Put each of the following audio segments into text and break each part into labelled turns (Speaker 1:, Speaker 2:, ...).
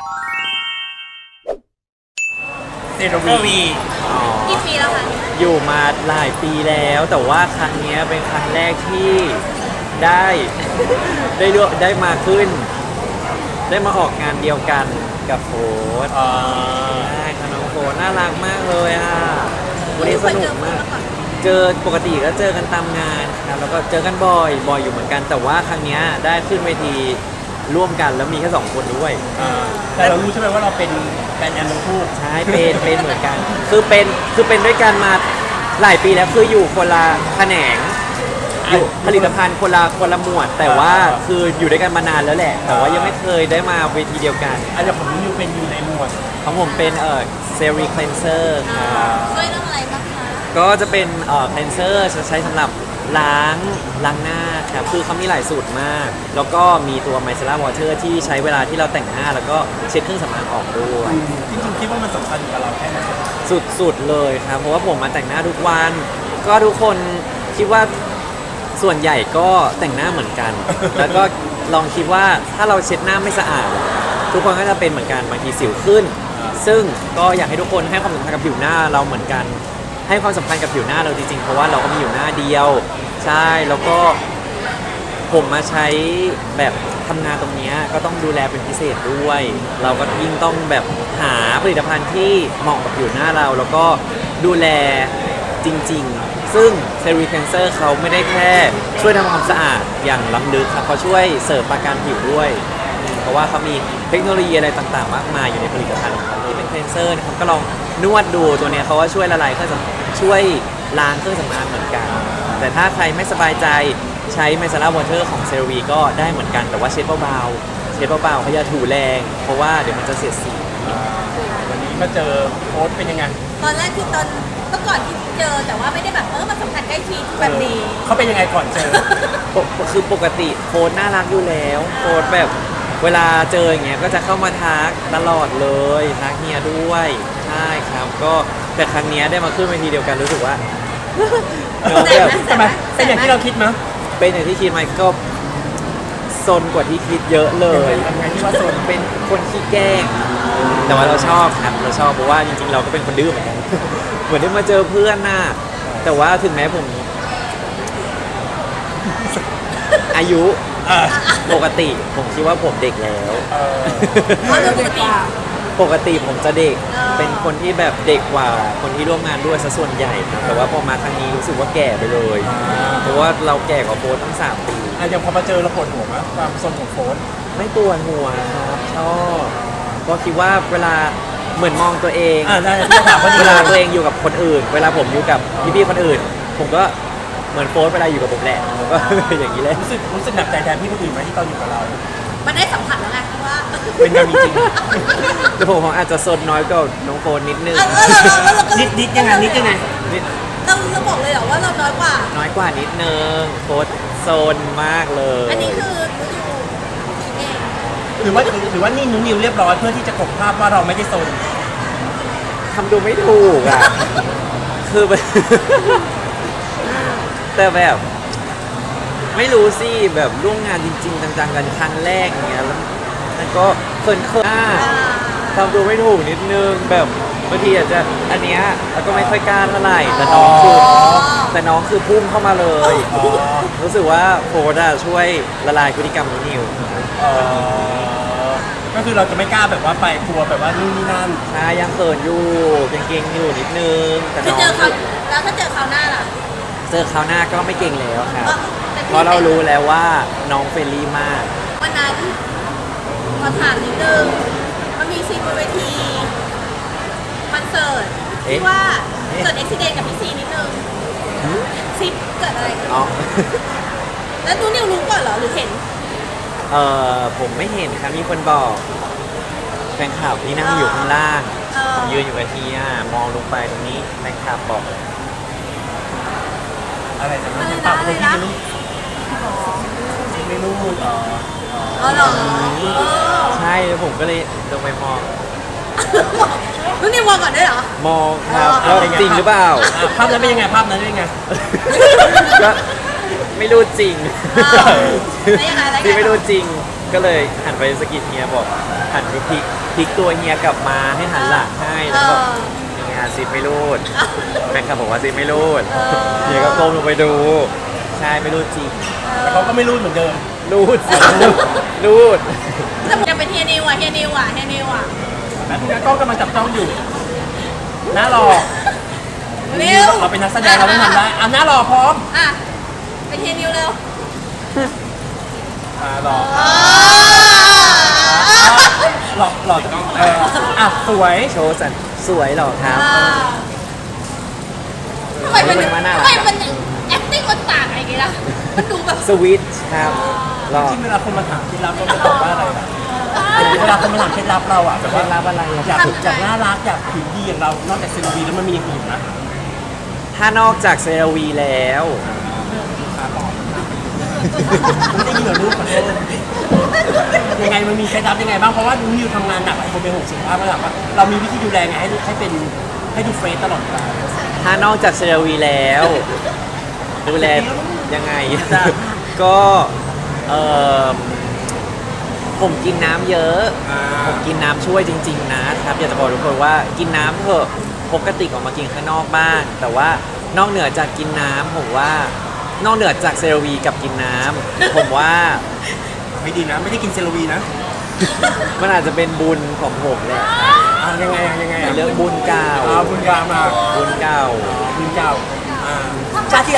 Speaker 1: เซโรวี
Speaker 2: กี่ปีแล้วคะ
Speaker 3: อยู่มาหลายปีแล้วแต่ว่าครั้งนี้เป็นครั้งแรกที่ได้ ได้มาขึ้น ได้มาออกงานเดียวกันกับโฟร์ใช่ค่ะน้องโฟร์น่ารักมากเลยอ่ะวันนี้สนุกมาก เจอปกติก็เจอกันตามงานครับแล้วก็เจอกันบ่อยอยู่เหมือนกัน แต่ว่าครั้งนี้ได้ขึ้นเวทีร่วมกันแล้วมีแค่2 คนด้วย
Speaker 1: แต่เรารู้ใช่ไหมว่าเราเป็นแฟนกันทั้งคู่
Speaker 3: ใช่เป็นเหมือนกัน คือเป็นด้วยกันมาหลายปีแล้วคืออยู่คนละแขนงอยู่ผลิตภัณฑ์คนละหมวด แต่ว่าคืออยู่ด้วยกันมานานแล้วแหละ แต่ว่ายังไม่เคยได้มาเวทีเดียวกัน
Speaker 1: อันนี้ผมรู้อยู่เป็นอยู่ในหมวด
Speaker 3: ของผมเป็นเซรีคลนเซอร์ครับ
Speaker 2: ช่วยเรื่องอะไรบ้างคะ
Speaker 3: ก็จะเป็นคลนเซอร์ใช้สำหรับล้างหน้าครับคือเขามีหลายสูตรมาก แล้วก็มีตัวไมเซล่าวอเตอร์ที่ใช้เวลาที่เราแต่งหน้าแล้วก็เช็ดเครื่องสำอางออกด้วย
Speaker 1: จริงๆคิดว่ามันสำคัญกับเราแค่ไหน
Speaker 3: สุดๆเลยครับ เพราะว่าผมมาแต่งหน้าทุกวัน ก็ทุกคนคิดว่าส่วนใหญ่ก็แต่งหน้าเหมือนกัน แล้วก็ลองคิดว่าถ้าเราเช็ดหน้าไม่สะอาด ทุกคนก็จะเป็นเหมือนกันบางทีสิวขึ้น ซึ่งก็อยากให้ทุกคนให้ความสำคัญกับผิวหน้าเราเหมือนกัน ให้ความสำคัญกับผิวหน้าเราจริงๆเพราะว่าเราก็มีอยู่หน้าเดียว ใช่แล้วก็ผมมาใช้แบบทำงานตรงนี้ก็ต้องดูแลเป็นพิเศษด้วย เราก็ยิ่งต้องแบบหาผลิตภัณฑ์ที่เหมาะกับผิวหน้าเรา แล้วก็ดูแลจริงๆ ซึ่งเซรีคลนเซอร์เขาไม่ได้แค่ช่วยทำความสะอาดอย่างล้ำลึกครับเขาช่วยเสริมประการผิวด้วย เพราะว่าเขามีเทคโนโลยีอะไรต่างๆ มากมายอยู่ในผลิตภัณฑ์ของเขาที่เป็นคลนเซอร์นะครับก็ลองนวดดูตัวเนี้ยเขาว่าช่วยละลายเครื่องสำอางช่วยล้างเครื่องสำอางเหมือนกัน แต่ถ้าใครไม่สบายใจใช้ไมซาร่าวอเตอร์ของเซรวีก็ได้เหมือนกันแต่ว่าเช็ดเบาๆเขาอย่าถูแรง เพราะว่าเดี๋ยวมันจะเสียดสี
Speaker 1: วันนี้มาเจอโค้ชเป็นยังไง
Speaker 2: ตอนแรกคือตอนเมื่อก่อนที่เจอแต่ว่าไม่ได้แบบมาสัมผัสใกล้ชิดแบบนี้
Speaker 1: เขาเป็นยังไงก่อนเจอ
Speaker 3: คือปกติโค้ดน่ารักอยู่แล้วโค้ดแบบเวลาเจออย่างเงี้ยก็จะเข้ามาทักตลอดเลยทักเฮียด้วยใช่ครับก็แต่ครั้งเนี้ยได้มาขึ้นเวทีเดียวกันรู้สึกว่า น้องแบบ
Speaker 1: ทำไมเป็นอย่างที่เราคิดมั้ย
Speaker 3: เป็นอย่างที่คิดไหมก็ซนกว่าที่คิดเยอะเลย
Speaker 1: ทำไงที่ว่าโซน
Speaker 3: เป็นคนขี้แกล้ง แต่ว่าเราชอบครับเราชอบเพราะว่าจริงๆเราก็เป็นคนดื้อเหมือนกัน เหมือนได้มาเจอเพื่อนน่ะแต่ว่าถึงแม้ผม อายุปกติผมคิดว่าผมเด็กแล้ว
Speaker 2: เพราะโดยปกติ
Speaker 3: ปกติผมจะเด็ก เป็นคนที่แบบเด็กกว่าคนที่ร่วมงานด้วยซะส่วนใหญ่ครับแต่ว่าพอมาครั้งนี้รู้สึกว่าแก่ไปเลย เพราะว่าเราแก่กว่าโฟร์ตั้ง3 ปี
Speaker 1: อย่างพอมาเจอเราปวดหัวมั้ยความโซนของโค้ช
Speaker 3: ไม่ปวดหัวครับชอบก็คิดว่าเวลาเหมือนมองตัวเอง
Speaker 1: ได้ที่ถามว่า
Speaker 3: เวลาตัวเองอยู่กับคนอื่น เวลาผมอยู่กับพี่ๆคนอื่น ผมก็เหมือนโฟร์เวลาอยู่กับผมแหละผมก็ อย่างนี้เลย
Speaker 1: รู้สึกหนักใจแทนพี่คนอื่นไหมที่ตอนอยู่กับเรา
Speaker 2: มันได้สัมผัสแล้วไงว่า
Speaker 1: เป็นกันจริง
Speaker 3: แต่ผมอาจจะซนน้อยกว่าน้องโฟร์นิดนึง
Speaker 1: นิดยังไงนิดยังไง
Speaker 3: นิด
Speaker 2: เราบอกเลยเหรอว่าเราน้อยกว่า
Speaker 3: น้อยกว่านิดนึงโฟร์โซนมากเลย
Speaker 2: อันนี้คือรู้อยู่เอง
Speaker 1: หรือว่านี่นุ้นนิวเรียบร้อยเพื่อที่จะกลบภาพว่าเราไม่ได้โซน
Speaker 3: ทำดูไม่ถูกอ่ะ คือแบบ แต่แบบไม่รู้สิแบบร่วมงานจริงๆจังๆกันครั้งแรกอย่างเงี้ยแล้วก็เขินทำดูไม่ถูกนิดนึงแบบบางทีอาจจะอันเนี้ยแล้วก็ไม่ค่อยกล้าเท่าไหร่แต่น้องคือพุ่งเข้ามาเลย รู้สึกว่าโฟร์ดช่วยละลายพฤติกรรมของนิว
Speaker 1: ก็คือเราจะไม่กล้าแบบว่าไปกลัวแบบว่านู่นนี่นั่น
Speaker 3: ใช่ยังเขินอยู่เก่งๆอยู่นิดนึงแต่
Speaker 2: คือ
Speaker 3: น้อง
Speaker 2: เจอเขาแล้วถ้าเจอเขาวหน้าล่ะ
Speaker 3: เจอคราวหน้าก็ไม่เก่งแล้วครับ
Speaker 2: แต่พี่
Speaker 3: เพราะเรารู้แล้วว่าน้องเฟรนลี่มาก
Speaker 2: วันนั้นขอถามนิดนึงมันมีซีนบนเวทีคอนเสิร์ตที่ว่าเกิดอุบิเหตุกับพี่ซีนิดนึงซีเกิดอะไรขึ้น
Speaker 3: อ๋อ
Speaker 2: แล้วนูนิวรู้ก่อนเหรอหรือเห็น
Speaker 3: ผมไม่เห็นครับมีคนบอกแฟนคลับที่นั่งอยู่ข้างล่าง ผมยืนอยู่กับทีมองลงไปตรงนี้แฟนคลับบอก
Speaker 1: อะไรนะปากคนที่ไม่รู้อ๋อ
Speaker 2: อ๋อเหรอ
Speaker 3: ใช่แล้วผมก็เลยลงไปมอง
Speaker 2: นูนิวมองก่อนด้วยเหรอ
Speaker 3: มองครับว่าจริงหรือเปล่า
Speaker 1: ภาพนั้นเป็นยังไงภาพนั้นเป็นยังไง
Speaker 3: ก็ไม่รู้จริง
Speaker 2: แล้วยังไง
Speaker 3: ที่ไม่รู้จริงก็เลยหันไปสะกิดเฮียบอกหันไปพลิกตัวเฮียกลับมาให้หันหลังให้แล้วก็เฮียซิปไม่รูดแฟนคลับบอกว่าซิปไม่รูดเฮียก็ก้มลงไปดูใช่ไม่รูดจริง
Speaker 1: แต่เขาก็ไม่รู้เหมือนเดิม
Speaker 3: รูดสิรูด
Speaker 2: แต่จะเป็นเฮียนิวอ่ะเฮียนิวอ่ะเฮียนิวอ่ะ
Speaker 1: แล้วทุกกล้องกำลังจับจ้องอยู่หน้ารอ
Speaker 2: นิว
Speaker 1: เราเป็นนักแสดงเราไม่ทำได้หน้ารอพร้อม
Speaker 2: อ่ะเป็นเฮียนิวเร็ว
Speaker 1: รอหลอสวย
Speaker 3: โชว์สันสวยเหรอครับ
Speaker 2: ทำไมมัน
Speaker 3: น่ารัก
Speaker 2: ทำไมมัน acting มันต่างอะไรกันล่ะมันดูแบบ
Speaker 3: สวิตช์ครับหรอ
Speaker 1: ที่เวลาคนมาถามเคล็ดลับเราจะตอบว่าอะไรนะเวลาคนมาถามเคล็ดลับเราอ่ะแบบ
Speaker 3: เคล็
Speaker 1: ว่า
Speaker 3: ดลับอะไรอะ
Speaker 1: อยากน่ารักอยากผิวดีอย่างเรา นอกจากเซรั่มแล้วมันมีอย่างอื่นนะ
Speaker 3: ถ้านอกจากเซรวีแล้ว
Speaker 1: ไม่ได้ยินเหรอลูกขอโทษยังไงมันมีเคล็ดลับยังไงบ้างเพราะว่านิวทำงานหนักหลายคนเป็นห่วงสุขภาพแล้วแบบว่าเรามีวิธีดูแลไงให้ดูเฟรชตลอดเวลา
Speaker 3: ถ้านอกจากเซรวีแล้ว ดูแลยังไง ก็เออผมกินน้ำเยอะ ผมกินน้ำช่วยจริงๆนะครับอยากจะบอกทุกคนว่ากินน้ำเถอะปกติออกมากินข้างนอกบ้างแต่ว่านอกเหนือจากกินน้ำผมว่านอกเหนือจากเซรวีกับกินน้ำผมว่า
Speaker 1: ไม่ดีนะไม่ได้กินเซรั่มนะ
Speaker 3: มันอาจจะเป็นบุญของผมแหละครับ
Speaker 1: ยังไงอ่ะ
Speaker 3: เรื่องบุญเก่า
Speaker 1: บุญกามา
Speaker 3: บุญเก่า
Speaker 1: บุญเก่าชาติ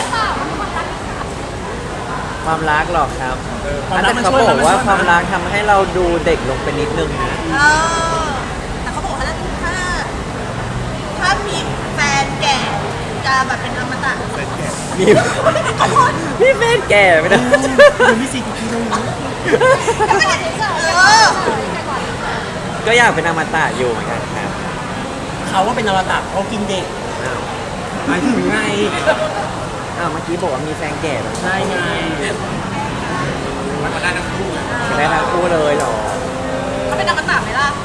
Speaker 3: ความรักหรอกครับ
Speaker 1: ความรั
Speaker 3: แต่
Speaker 1: กมัน
Speaker 3: เขา
Speaker 1: ช่วย
Speaker 3: บอกว่า
Speaker 1: มันช่วย
Speaker 3: ความรักทำให้เราดูเด็กลงไปนิดนึงนะ
Speaker 2: แต่เขาบอกว่าถ้ามีแฟนแก่จะแบบเป็นอมตะ
Speaker 3: มีพี่เฟนแก่ไม่ได้
Speaker 1: เดี๋ยวมีสี่กี่ตรงนี้
Speaker 3: ก็อยากเป็นอมตะอยู่เหมือนกันครับ
Speaker 1: เขาว่าเป็นอวตารเขากินเด็ก
Speaker 3: อ้าว
Speaker 1: หมายถึงไง
Speaker 3: อ้าวเมื่อกี้บอกว่ามีแฟนแก่แล้ว
Speaker 1: ใช่ไงมันได้ทั้งคู่
Speaker 3: ได้ทั้งคู่เลยเหรอ
Speaker 2: เขาเป็นอมตะไหมล่ะ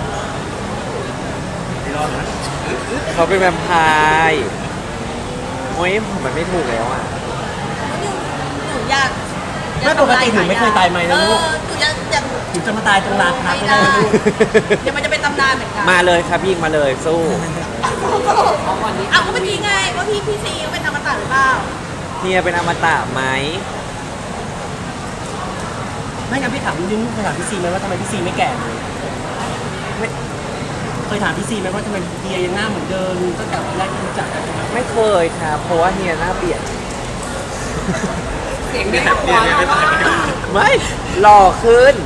Speaker 1: ไม่รอดนะ
Speaker 3: เขาเป็นแวมไพร์โอ้ยผมมันไม่ถูกแล้วอ่ะ
Speaker 2: หนูอยาก
Speaker 1: ไม่ปกติถึงไม่เคยตายไหมนะลูก
Speaker 2: หนูอยาก
Speaker 1: ถึงจะมาตายตรงลานพัก
Speaker 2: ไม่
Speaker 1: ไม่ได้
Speaker 2: ได้
Speaker 1: นะลูก
Speaker 2: เดี๋ยวมันจะเป็นตำนานเหมือนกัน
Speaker 3: มาเลยครับยิงมาเลยสู้
Speaker 2: เอาก็เมื่อกี้ไงว่าพี่ซีเขาเป็นอมตะหรือเปล่า
Speaker 3: เฮียเป็นอมตะไหม
Speaker 1: ไม่งั้นพี่ถามนิดนึงเคยถามพี่ซีไหมว่าทำไมพี่ซีไม่แก่เลยไม่เคยถามพี่ซีไหมว่าทำไมเดียยังหน้าเหมือนเดิมตั้งแต่วันแรกที่รู้จักกัน
Speaker 3: ไม่เคยครับเพราะว่าเฮียหน้าเปลี่ยน
Speaker 1: เสียงเนี่ยหัวเราะ
Speaker 3: ไม่หล่อขึ้น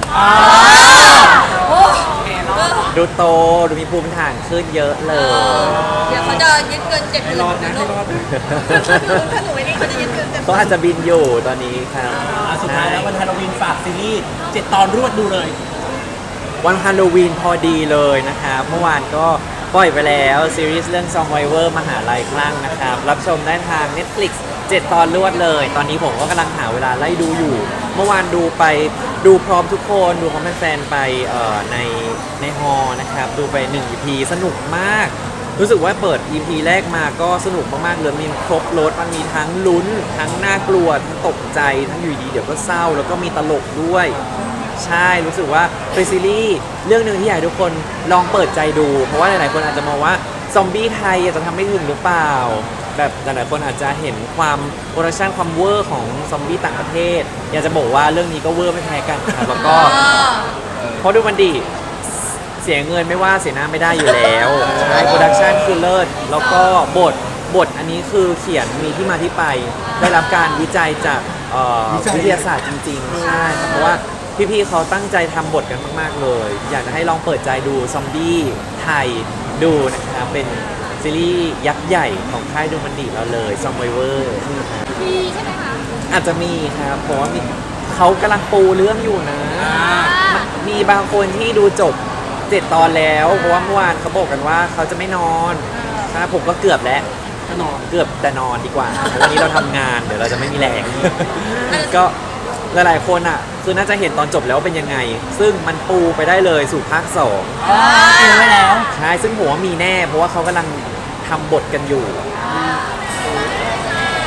Speaker 3: ดูโตดูมีภูมิฐานขึ้นเยอะเลย
Speaker 2: เดี๋ยวเขาจะยึดเงิน70,000
Speaker 1: ให้รอดนะให้รอดนะ
Speaker 2: ถ้าหนูไม่ได้เขาจะยึดเงิน
Speaker 3: เขาอาจจะบินอยู่ตอนนี้ครับ
Speaker 1: สุดท้ายแล้ววันฮาโลวีนฝากซีรีส์7 ตอนรวดดูเลย
Speaker 3: วันฮาโลวีนพอดีเลยนะครับเมื่อวานก็ปล่อยไปแล้วซีรีส์เรื่อง Survivor มหาลัยคลั่งนะครับรับชมได้ทาง Netflix 7 ตอนรวดเลย ตอนนี้ผมก็กำลังหาเวลาไล่ดูอยู่ เมื่อวานดูพร้อมทุกคนดูพร้อมแฟนๆไปในฮอลนะครับดูไป1 EP สนุกมาก รู้สึกว่าเปิด EP แรกมาก็สนุกมากๆเลยมีครบรถมันมีทั้งลุ้น ทั้งน่ากลัวทั้งตกใจทั้งอยู่ดีเดี๋ยวก็เศร้าแล้วก็มีตลกด้วย ใช่รู้สึกว่าเป็นซีรีส์เรื่องหนึ่งที่อยากให้ทุกคนลองเปิดใจดู เพราะว่าหลายๆคนอาจจะมองว่าซอมบี้ไทยจะทำไม่ถึงหรือเปล่า แบบหลายๆคนอาจจะเห็นความโปรดักชันความเวอร์ของซอมบี้ต่างประเทศ อยากจะบอกว่าเรื่องนี้ก็เวอร์ไม่แพ้กันครับแล้วก็เพราะดูมันดีเสียเงินไม่ว่าเสียหน้าไม่ได้อยู่แล้วใช่โปรดักชันคือเลิศแล้วก็บทอันนี้คือเขียนมีที่มาที่ไป ได้รับการวิจัยจากวิทยาศาสตร์จริงๆใช่ครับเพราะว่าพี่ๆเขาตั้งใจทำบทกันมากๆเลย อยากจะให้ลองเปิดใจดูซอมบี้ไทยดูนะครับเป็นซีรีส์ยักษ์ใหญ่ของค่ายดูมันดีเราเลยซอมไวเวอร์
Speaker 2: มีใช่ไหมคะ
Speaker 3: อาจจะมีครับเพราะว่าเขากำลังปูเรื่องอยู่นะ มีบางคนที่ดูจบ 7 ตอนแล้วเพราะว่าเมื่อวานเขาบอกกันว่าเขาจะไม่นอนใช่ผมก็เกือบแล้ว
Speaker 1: ก็นอน
Speaker 3: เกือบแต่นอนดีกว่าเพราะวันนี้เราทำงานเดี๋ยวเราจะไม่มีแรง ก็หลายๆคนอ่ะคือน่าจะเห็นตอนจบแล้วเป็นยังไง ซึ่งมันปูไปได้เลยสู่ภาค
Speaker 1: เองไว้แล้ว
Speaker 3: 2ใช่ซึ่งผมว่ามีแน่เพราะว่าเขากำลังทำบทกันอยู่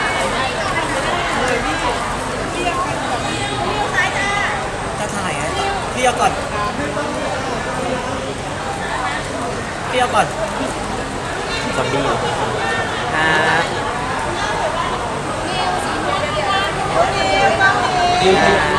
Speaker 1: จะถ่ายอ่ะ
Speaker 4: พี่เอาก่อนพี่เอาก่อน
Speaker 3: ซอมบี้ครับ
Speaker 2: นิว